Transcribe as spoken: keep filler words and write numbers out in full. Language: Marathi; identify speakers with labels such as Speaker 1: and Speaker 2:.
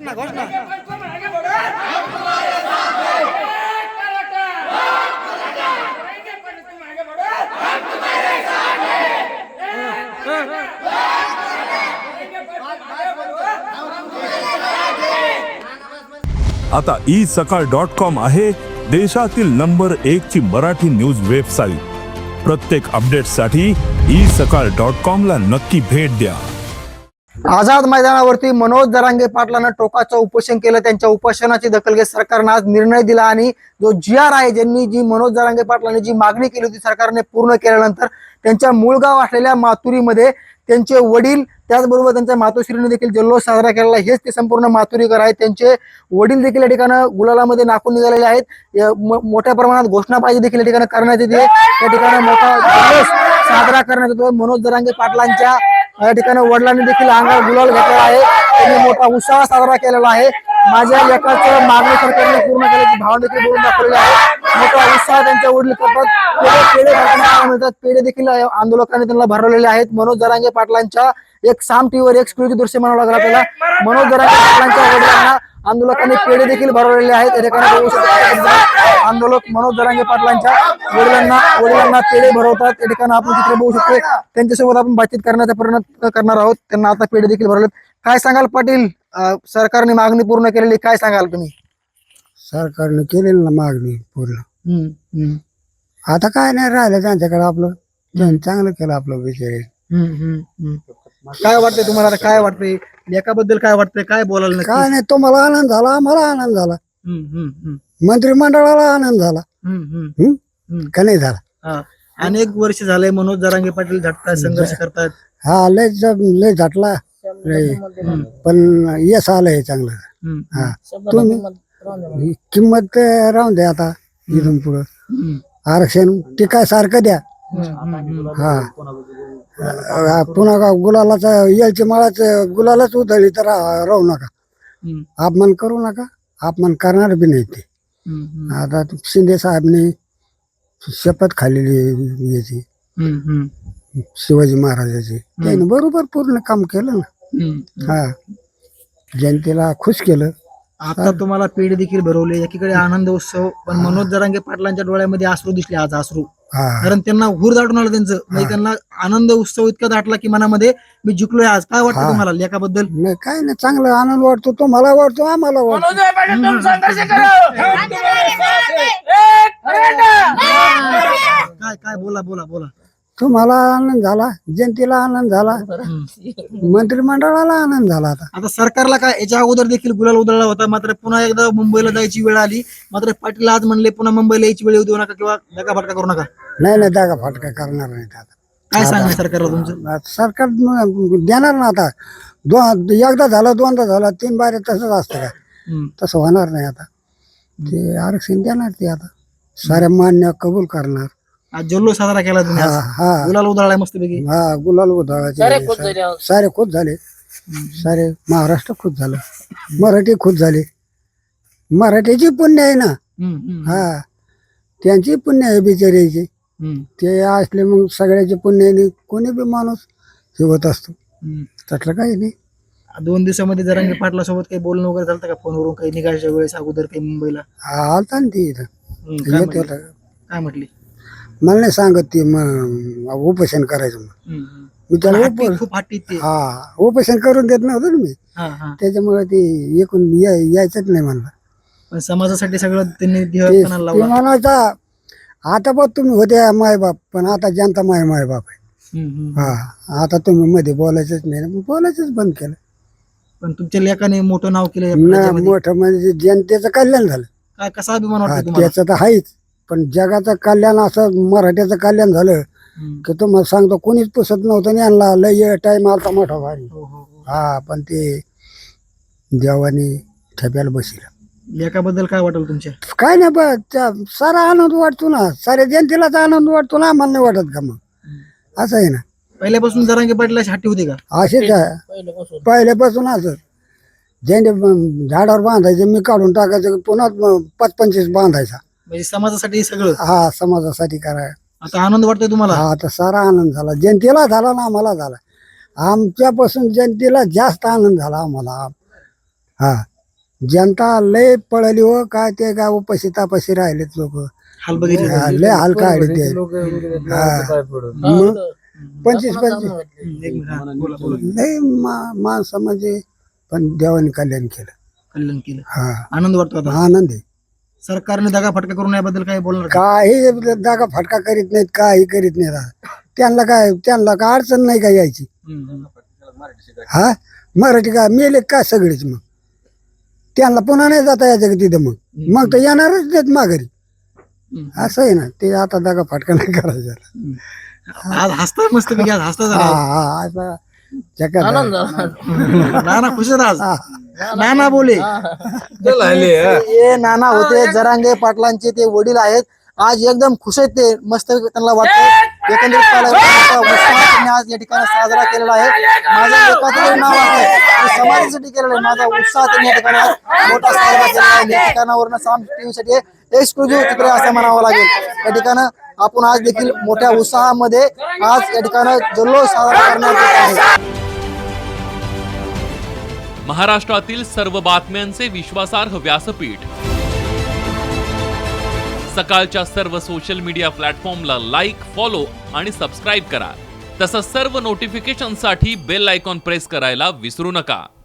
Speaker 1: घोषणा घोषणा
Speaker 2: आता ई सकाळ डॉट कॉम आहे देशातील नंबर एक ची मराठी न्यूज वेबसाईट। प्रत्येक अपडेटसाठी ई सकाळ डॉट कॉम ला नक्की भेट द्या।
Speaker 1: आझाद मैदानावरती मनोज जरांगे पाटलांना टोकाचं उपोषण केलं। त्यांच्या उपोषणाची दखल घेत सरकारने आज निर्णय दिला आणि जो जी आर आहे, ज्यांनी जी मनोज जरांगे पाटलांनी जी मागणी केली होती सरकारने पूर्ण केल्यानंतर त्यांच्या मूळ गाव असलेल्या माथुरीमध्ये त्यांचे वडील त्याचबरोबर त्यांच्या मातोश्रीने देखील जल्लोष साजरा केलेला आहे। हेच ते संपूर्ण माथुरीकर आहेत। त्यांचे वडील देखील या ठिकाणी गुलालामध्ये नाकून निघालेले आहेत। मोठ्या प्रमाणात घोषणाबाजी देखील या ठिकाणी करण्यात येते। त्या ठिकाणी मोठा जल्लोष साजरा करण्यात येतो। मनोज जरांगे पाटलांच्या या ठिकाणी वडिलांनी देखील अंगावर गुलाल घेतलेला आहे। त्यांनी मोठा उत्साह साजरा केलेला आहे। माझ्या लेकाचं मागणी सरकारने पूर्ण केल्याची भावना देखील बोलून दाखवलेली आहे। मोठा उत्साह त्यांच्या वडील करतात। पेढे पेढे भरताना मिळतात। पेढे देखील आंदोलकांनी त्यांना भरवलेले आहेत। मनोज जरांगे पाटलांच्या एक साम टीव्हीवर एक्सक्लुझिव्ह दृश्य म्हणावं लागलं आपल्याला। मनोज जरांगे पाटलांच्या वडिलांना आंदोलकांनी पेढे देखील भरवलेले आहेत। या ठिकाणी बघू शकतो आंदोलक मनोज जरांगे पाटलांच्या वडिलांना वडिलांना पेढे भरवतात। या ठिकाणी आपण चित्र बघू शकतो। त्यांच्यासोबत आपण बातचीत करण्याचा प्रयत्न करणार आहोत। त्यांना आता पेढे देखील भरवलेत। काय सांगाल पाटील, सरकारने मागणी पूर्ण केलेली, काय सांगाल तुम्ही?
Speaker 3: सरकारने केलेली ना मागणी पूर्ण। आता काय नाही राहिलं त्यांच्याकडे, आपलं त्यांनी चांगलं केलं आपलं विषय।
Speaker 1: काय वाटतंय तुम्हाला? आता काय वाटतंय लेकाबद्दल? काय वाटतंय? काय बोलायला नक्की?
Speaker 3: काय नाही, तुम्हाला आनंद झाला, आम्हाला आनंद झाला, मंत्रिमंडळाला आनंद झाला, हम्म का नाही झाला?
Speaker 1: अनेक वर्ष झाले मनोज जरांगे पाटील झटतात, संघर्ष करतात।
Speaker 3: हा लय लय झटला लय, पण यश आलंय चांगलं। हा तुम्ही किंमत राहून द्या आता इथून पुढं। आरक्षण टिकाय सारखं द्या। हा पुन्हा का गुलालाच यायची माळाच गुलालाच उधळली तर राहू नका, अपमान करू नका, अपमान करणार बी नाही ते। आता शिंदे साहेबने शपथ खाल्लेली याची शिवाजी महाराजाची, त्याने बरोबर पूर्ण काम केलं ना। हा जनतेला खुश केलं।
Speaker 1: आता तुम्हाला पेढे देखील भरवले, एकीकडे आनंद उत्सव, पण मनोज जरांगे पाटलांच्या डोळ्यामध्ये अश्रू दिसले आज, अश्रू। कारण त्यांना हुर दाटून आलं त्यांचं, म्हणजे त्यांना आनंद उत्सव इतका दाटला की मनामध्ये मी जिंकलोय आज। काय वाटतं तुम्हाला लेकाबद्दल?
Speaker 3: नाही काय नाही, चांगला आनंद वाटतो, तो मला वाटतो, आम्हाला वाटतो।
Speaker 1: काय काय बोला बोला बोला
Speaker 3: तुम्हाला आनंद झाला, जनतेला आनंद झाला, मंत्रिमंडळाला आनंद झाला। आता
Speaker 1: आता सरकारला काय, याच्या अगोदर देखील गुलाल उधळला होता, मात्र पुन्हा एकदा मुंबईला जायची वेळ आली, मात्र पाटील आज म्हणले पुन्हा मुंबईला यायची वेळ येऊ देऊ नका किंवा धक्काफटका करू नका।
Speaker 3: नाही नाही, जागा फाटका करणार नाही आता।
Speaker 1: काय सांगणार सरकारला तुमचं?
Speaker 3: सरकार देणार ना आता। दोन एकदा झालं, दोनदा झालं, तीन बारे तसंच असतं का? तसं होणार नाही आता। ते आरक्षण देणार ते आता, साऱ्या मान्य कबूल करणार।
Speaker 1: आज जल्लोष साजरा केला तुम्ही, आज
Speaker 3: हा
Speaker 1: गुलाल उधळलाय मस्त पैकी।
Speaker 3: हा गुलाल उधळायचे सारे खुश झाले, सारे महाराष्ट्र खुश झालं, मराठी खुश झाले। मराठीची पुण्य आहे ना, हा त्यांची पुण्य आहे बिचाऱ्याची। ते असले मग सगळ्याचे पुण्याने कोणी बी माणूस हे होत असतो, त्यातलं काही नाही।
Speaker 1: दोन दिवसामध्ये जरांगे पाटला सोबत काही बोलणं वगैरे झालं का फोनवरून, काही निघायच्या वेळेस अगोदर काही मुंबईला?
Speaker 3: आलता ना ती इथं, येत होता।
Speaker 1: काय म्हटली?
Speaker 3: मला नाही सांगत ती मग उपोषण करायचं, मग मी त्याला
Speaker 1: खूप हट्टी ते,
Speaker 3: हा उपोषण करून देत नव्हतं ना मी, त्याच्यामुळे ते एकूण यायचंच नाही म्हणलं।
Speaker 1: पण समाजासाठी सगळं त्यांनी
Speaker 3: ते म्हणायचा, आता बघ तुम्ही होते मायबाप, पण आता जनता माय मायबाप आहे। हा आता तुम्ही मध्ये बोलायचंच नाही, मग बोलायचंच बंद केलं।
Speaker 1: पण तुमच्या लेखाने मोठं नाव केलं,
Speaker 3: मोठं म्हणजे जनतेचं कल्याण झालं।
Speaker 1: काय कसा अभिमान वाटतो तुम्हाला?
Speaker 3: त्याचं तर आहेच, पण जगाचं कल्याण असं मराठ्याचं कल्याण झालं की तुम्हाला सांगतो कोणीच पुसत नव्हतं, यांना लय टाइम आलता मोठा भारी। हा पण ते देवाने ठेप्याला बसला।
Speaker 1: लेखाबद्दल काय वाटेल तुमच्या?
Speaker 3: काय नाही, बस सारा आनंद वाटतो ना, साऱ्या जनतेलाच आनंद वाटतो ना, आम्हाला नाही वाटत का? मग असं आहे ना।
Speaker 1: पहिल्यापासून जरांगे पाटलाची हट्टी होती का?
Speaker 3: असेच आहे पहिल्यापासून। असं ज्यांनी झाडावर बांधायचे मी काढून टाकायचं, पुन्हा पाच पंचवीस बांधायचा,
Speaker 1: म्हणजे समाजासाठी सगळं।
Speaker 3: हा समाजासाठी कराय।
Speaker 1: आता आनंद वाटतोय तुम्हाला?
Speaker 3: हा आता सारा आनंद झाला, जनतेला झाला ना, आम्हाला झाला। आमच्यापासून जनतेला जास्त आनंद झाला आम्हाला। हा जनता लय पळली हो, काय ते काय उपाशी तापाशी राहिलेत लोक,
Speaker 1: हाल बघितले
Speaker 3: लय हाल काढले ते. हा. मग पंचवीस पंचवीस
Speaker 1: एक मिनिट, हा, बोला, बोला.
Speaker 3: लय मा- माणसं म्हणजे, पण देवाने कल्याण केलं.
Speaker 1: कल्याण केलं,
Speaker 3: हा
Speaker 1: आनंद वाटतो आता.
Speaker 3: आनंद आहे.
Speaker 1: सरकारने दगा फटका करून याबद्दल काय बोलणार का?
Speaker 3: काही जागा फटका करीत नाहीत, काही करीत नाहीत. त्यांना काय त्यांना काय अडचण नाही का यायची.
Speaker 1: हम्म, हम्म.
Speaker 3: हा मराठी काय मेले काय सगळेच, मग त्यांना पुन्हा नाही जाता यायचं का तिथं, मग मग तर येणारच देत माघारी.
Speaker 1: हम्म.
Speaker 3: असं आहे ना, ते आता जागा फटका नाही करायचा.
Speaker 1: आज हसताय मस्त पैकी, आज हसता
Speaker 3: हा
Speaker 1: जरा.
Speaker 3: हा असा जगात आहे.
Speaker 1: नाना खुश आहेत आज.
Speaker 3: हा.
Speaker 1: नाना बोले हे नाना होते जरांगे पाटलांचे ते वडील आहेत. आज एकदम खुश आहेत ते, मस्त त्यांना वाटतं एकंदरीत पाहायला गेलं तर मोठा उत्साह त्यांनी आज या ठिकाणी साजरा केलेला आहे. माझं एकाचं तरी नाव आहे, मी समाजासाठी केलेलं आहे. माझा उत्साह त्यांनी या ठिकाणी आज मोठा साजरा केलेला आहे. या ठिकाणावरून साम टीव्हीसाठी एक्सक्लुझिव्ह चित्र असं म्हणावं लागेल. या ठिकाणं आपण आज देखील मोठ्या उत्साहामध्ये आज या ठिकाणं जल्लोष साजरा करण्यात येत आहे.
Speaker 4: महाराष्ट्रातील सर्व बातम्यांचे विश्वासार्ह व्यासपीठ, सकाळच्या सर्व सोशल मीडिया प्लॅटफॉर्मला लाईक, फॉलो आणि सबस्क्राईब करा. तसंच सर्व नोटिफिकेशनसाठी बेल आयकॉन प्रेस करायला विसरू नका.